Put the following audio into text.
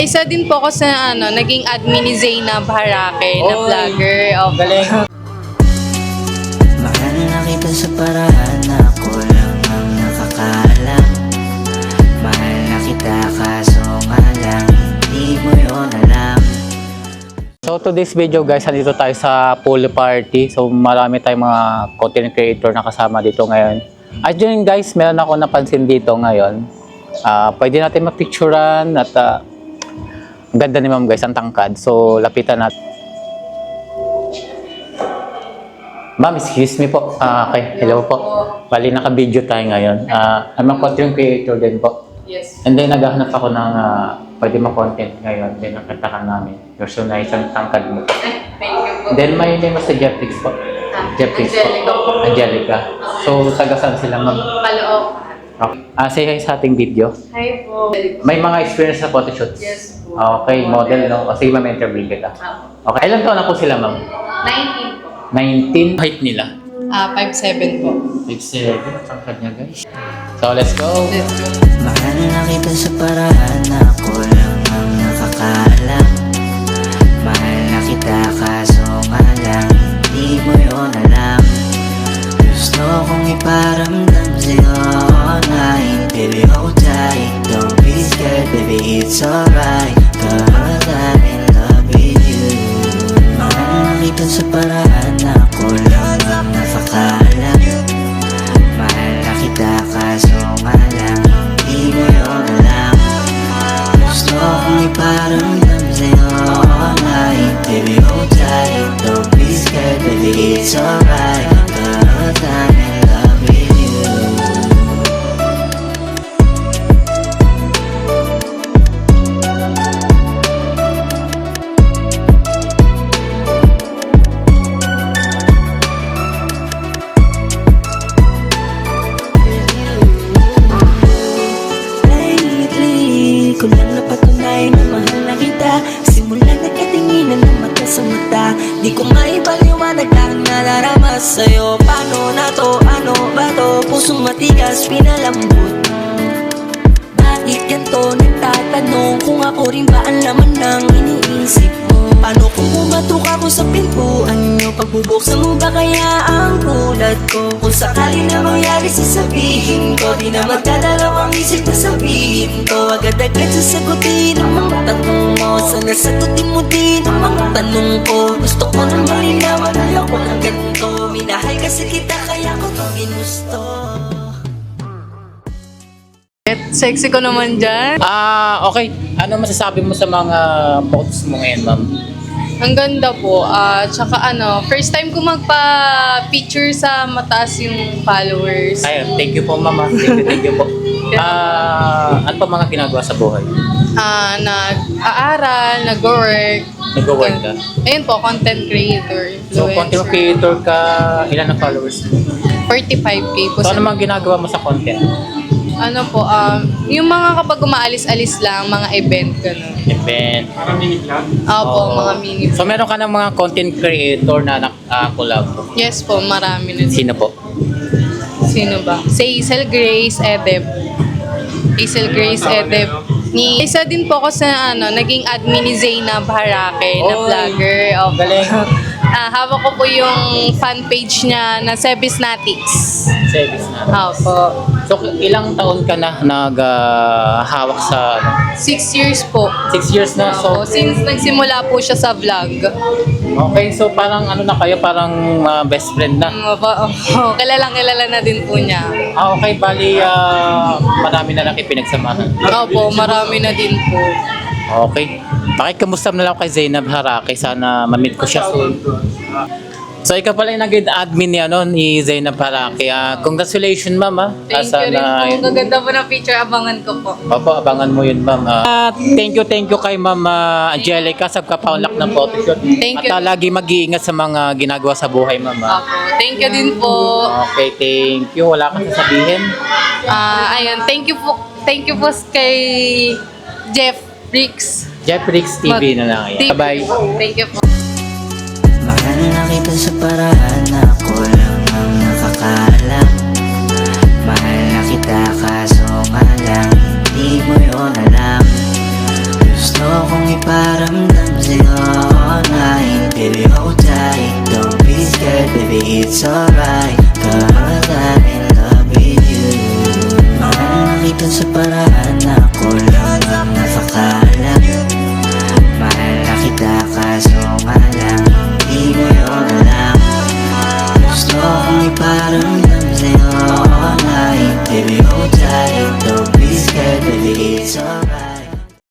Isa din po ako sa naging admin ni Zainab Harake na vlogger. Galing. Mahal na kita sa paraan na ako lang ang nakakaalam. Mahal na kita kaso nga lang hindi mo yun alam. So today's video guys, nandito tayo sa pool party. So marami tayong mga content creator na kasama dito ngayon. At yun guys, meron ako napansin dito ngayon. Pwede natin mapicturean at ang ganda ni ma'am guys, ang tangkad. So lapitan natin. Ma'am, excuse me po. Okay, hello po. Bali, naka-video tayo ngayon. I'm a content creator din po. Yes. And then naghahanap ako ng pwede ma-content ngayon. Then nakita ka namin. You're so nice ang tangkad mo. Thank you po. Then may name sa Jeffrix po. Jeffrix Angelica po. Angelica. So taga saan sila ma'am? Paloob. Okay. Say hi sa ating video. Hi po. May mga experience sa photoshoots? Yes po. Okay, model no? O sige ma'am, interview kita. Okay, ilan taon na po sila ma'am? 19 po. 19. Height nila? 5'7 po. 6'7". Tangkad niya guys. So let's go. Let's go. Mahal na kita sa paraan na ako lang ang nakakaalam. Mahal na kita kaso nga lang hindi mo yun alam. Gusto kong iparamdam sa'yo online. Baby hold tight, don't be scared, baby it's alright. Cause I'm in love with you. Mahal na kita sa paraan na ako lang ang nakakaalam. Mahal na kita kaso nga lang hindi mo yun alam. Gusto kong iparamdam sa'yo online. Baby hold tight, don't be scared, baby it's alright. Cause I'm in love with you. Lately, ko lang napatunay na mahal na kita. Simula nagkatinginan ng mata sa mata. Di ko maipaliwanag lang nadarama sa'yo. Paano na to? Ano ba to? Pusong matigas, pinalambot. Bakit ganito? Nagtatanong kung ako rin ba ang laman ng iniisip mo. Paano kung pumatok ako sa pintuan nyo? Pagbubuksan mo ba kaya ang kulad ko? Kung sakali na mangyari sasabihin ko, di na magdadalawang isip na sabihin ko. Agad-agad sasagutin ang mga tanong mo. Sana sagutin mo din ang mga tanong ko. Gusto ko nang malinawan, ayoko ng ganito. Minahal kasi kita kaya ko to ginusto. Sexy ko naman dyan. Okay. Ano masasabi mo sa mga photos mo ngayon ma'am? Ang ganda po. Tsaka first time ko magpa-picture sa mataas yung followers. Ayun, thank you po mama. Thank you po. Ano pa mga ginagawa sa buhay? Nag-aaral, nag-work. Nag-work ka? Ayun po, content creator. So, content influencer. creator ka, ilan ang followers mo? 45K po. So, ano mga ginagawa mo sa content? Yung mga kapag umaalis-alis lang, mga event, gano'n. Event. Opo, mga mini. So, meron ka ng mga content creator na collab. Yes po, marami na. Sino po? Sino ba? Si Hazel Grace Edeb. Hazel Grace Edeb. Isa din po ako sa naging admin ni Zainab Harake na vlogger. Opo. Galing. Hawak ko po yung fan page niya na Sebisnatics. Service na. Opo. So, ilang taon ka na naghahawak sa 6 years po. 6 years na. Opo, So, since nagsimula po siya sa vlog. okay. So, parang ano na kayo? Parang best friend na. Opo, kilalang kilala na din po niya. Okay. Bali, marami na lang kayo pinagsamahan. Opo, marami na din po. Okay. Pakikamusta na lang kay Zainab Harake. Sana ma-meet ko siya soon. So, ikaw pala yung naging admin ni Zainab Harake. Congratulations, ma'am. Thank you rin po. Gaganda po ng picture. Abangan ko po. Opo, abangan mo yun, ma'am. Thank you kay Ma'am Angelica sa kapaunlak ng photoshoot. Thank you. At lagi mag-iingat sa mga ginagawa sa buhay, ma'am. Opo, thank you din po. Okay, thank you. Wala kang sasabihin? Ayun, thank you po kay Jeffrix TV na lang. Yan. Bye-bye. Thank you po. Mahal na kita sa paraan na ako lang ang nakakaalam. Mahal na kita kaso nga lang hindi mo yun alam. Gusto it's alright, cause I'm in love with you. Mahal na kita sa paraan na ako lang ang napakaalam. Mahal na kita kaso nga lang hindi mo yun alam. Gusto kong iparamdam sa'yo all night, baby.